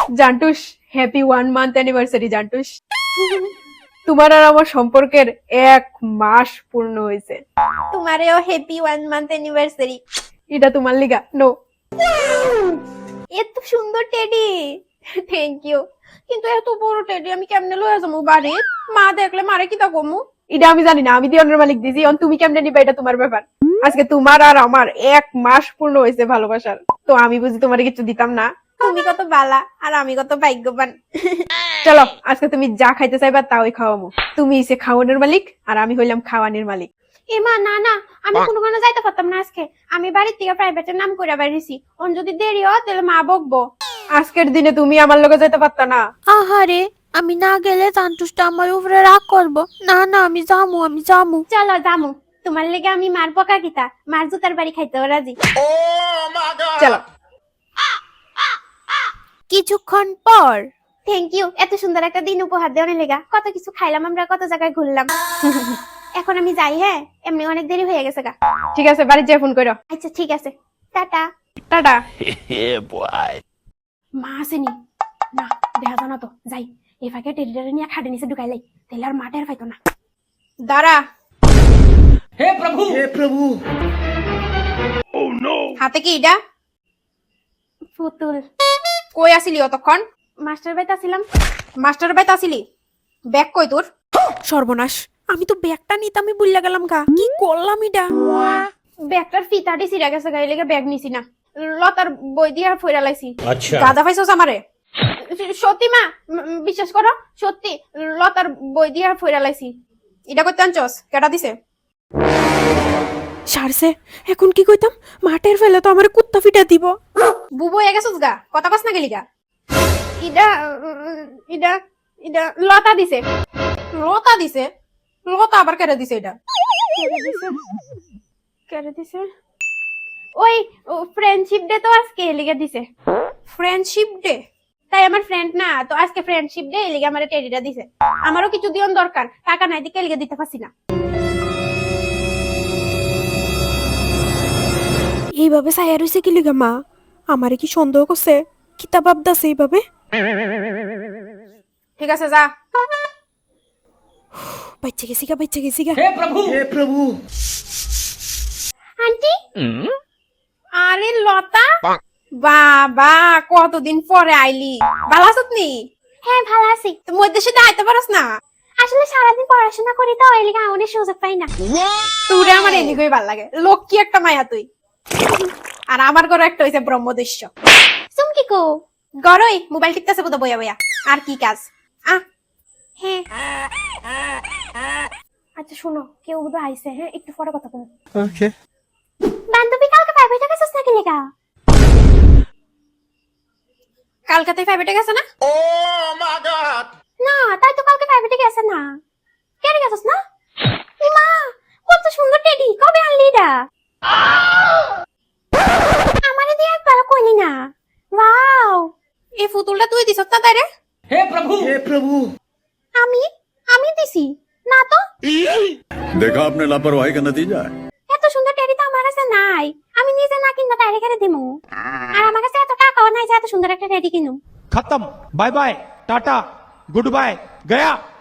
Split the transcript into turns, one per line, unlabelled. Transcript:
জান্টুস, happy 1 month anniversary জান্টুস। তোমার আর আমার সম্পর্কের 1 মাস পূর্ণ হয়েছে।
তোমারেও হ্যাপি 1 মান্থ অ্যানিভার্সারি।
এটা তোমার লিগা নো।
এত সুন্দর টেডি, থ্যাংক ইউ। কিন্তু এত বড় টেডি আমি কেমনে লয়ে যাবো বাড়ি? মা দেখলে মারে কি তা কমু?
এটা আমি জানি না, আমি দিওনের মালিক দিছি, তুমি কেমনে নিবা এটা তোমার ব্যাপার। আজকে তোমার আর আমার 1 মাস পূর্ণ হয়েছে ভালোবাসার, তো আমি বুঝি তোমার কিছু দিতাম না।
তুমি কত বালা আর আমি কত ভাগ্যবান।
চলো আজকে তুমি যা খাইতে চাইবা তাই খাওয়ামো। তুমি এসে খাওয়ানোর মালিক আর আমি হইলাম খাওয়ানোর মালিক।
এ মা, না না, আমি কোনোখানে যাইতে পারতাম না আজকে। আমি বাড়ির থেকে প্রাইভেটের নাম করে বেরিয়েছি। ওন যদি দেরি হয় তাহলে মা বকবো।
আজকের দিনে তুমি আমার লগে যাইতে পারতা না?
আহারে, আমি না গেলে জান্টুসটা আমার উপরে রাগ করবো। না না, আমি যামু।
চলো জামু, তোমার লেগে আমি মার বকা কিতা, মার জুতার বাড়ি খাইতেও রাজি।
চলো।
কিছুক্ষণ পর
থ্যাংক ইউ, এত সুন্দর একটা দিন উপহার দেওয়ার লেগা। কত কিছু খাইলাম আমরা, কত জায়গায় ঘুরলাম। এখন আমি যাই, হ্যাঁ, এমনি অনেক দেরি হয়ে গেছে গা।
ঠিক আছে, বাড়ি যেয়ে ফোন করো।
আচ্ছা ঠিক আছে, টাটা।
টাটা।
মা আসেনি না, দেখা জানা তো। যাই, এ ফাঁকে টেরিটারে নিয়ে খাটে নিচে ঢুকাইলাই, তাহলে আর মাঠের পাইতো না।
দাঁড়া।
हे प्रभु
হাতে কি এটা?
পুতুল।
কই আসিলি অতক্ষণ?
মাস্টার বাইতে আসিলাম।
মাস্টার বাইতে আসিলি? ব্যাগ কই তোর?
সর্বনাশ, আমি তো ব্যাগটা নিতামই ভুলে গেলাম গা। কি করলাম এটা?
ব্যাগটার ফিতাটি ছিঁড়া গেছে, গায়ে লেগে ব্যাগ নিছি না। লতার বই দিয়া ফইরা লাইছি।
अच्छा
গাদা পাইছস আমারে?
সত্যি মা, বিশ্বাস করো, সত্যি লতার বই দিয়া ফইরা লাইছি।
এটা করতে আনছস? কেটা দিছে?
সারছে, এখন কি কইতাম? মাঠের ফেলে তো আমার কুত্তা ফিটা দিব।
বুবু হয়ে গেছস গা, কথা কস না গেলি গা?
ইডা ইডা ইডা লতা দিছে।
লতা দিছে? লতা আবার কেটে দিছে এটা?
কেড়ে দিছে ওই ফ্রেন্ডশিপ ডে তো আজকে লিগে দিছে।
Friendship day?
তাই আমার ফ্রেন্ড না তো, আজকে ফ্রেন্ডশিপ ডে লিগে আমার টেডিটা দিছে। আমারও কিছু দিন দরকার, টাকা নাই দিকে লিগে দিতে পারছি না।
এইভাবে সাইয়া রইছে কি লিগা মা? আমারে কি সন্দেহ করছে? কিতাব আবদাছে এইভাবে?
ঠিক আছে যা।
বাচ্চা গেছি গা।
हे प्रभु
আন্টি,
আরে লতা, বাবা কতদিন পরে আইলি। ভালো আছিস নি?
হ্যাঁ ভালো আছি।
তো মধ্যে সাথে আইতে পারস না?
আসলে সারাদিন পড়াশোনা করি তো, এই লিগে অনেক সুযোগ পাই না।
তোরে আমার এদিকেই ভাল লাগে, লক্ষ্মী একটা মায়া তুই। আর আমার ঘরে একটা হইছে ব্রহ্মদস্য।
চুমকি কো?
গরই মোবাইল টিপতেছে বোধ বইয়া বইয়া। আর কি কাজ?
হ্যাঁ। আচ্ছা শোনো, কেউ বোধ আইছে, হ্যাঁ একটু পরে কথা বলবো।
ओके
বান্ধবী কালকে প্রাইভেটে গেছিস নাকি লেগা?
কালকাতায় প্রাইভেটে গেছে না?
না, তাই তো কালকে প্রাইভেটে গেছে না। কেন গেছিস না? মা, কত সুন্দর টেডি, কবে আনলি এটা? আমারে দিয়ে একবার কইলি না। ওয়াও,
এই ফুতুলটা তুই দিছস না তাইরে?
हे प्रभु
আমি আমি দিছি না তো।
देखा आपने लापरवाही का नतीजा है।
এত সুন্দর টেডি তো আমার কাছে নাই। আমি নিজে না কিনবা তাইরে কেন দিমু? আর আমার কাছে এত টাকাও নাই যে এত সুন্দর একটা টেডি কিনু।
खत्म bye bye tata goodbye गया।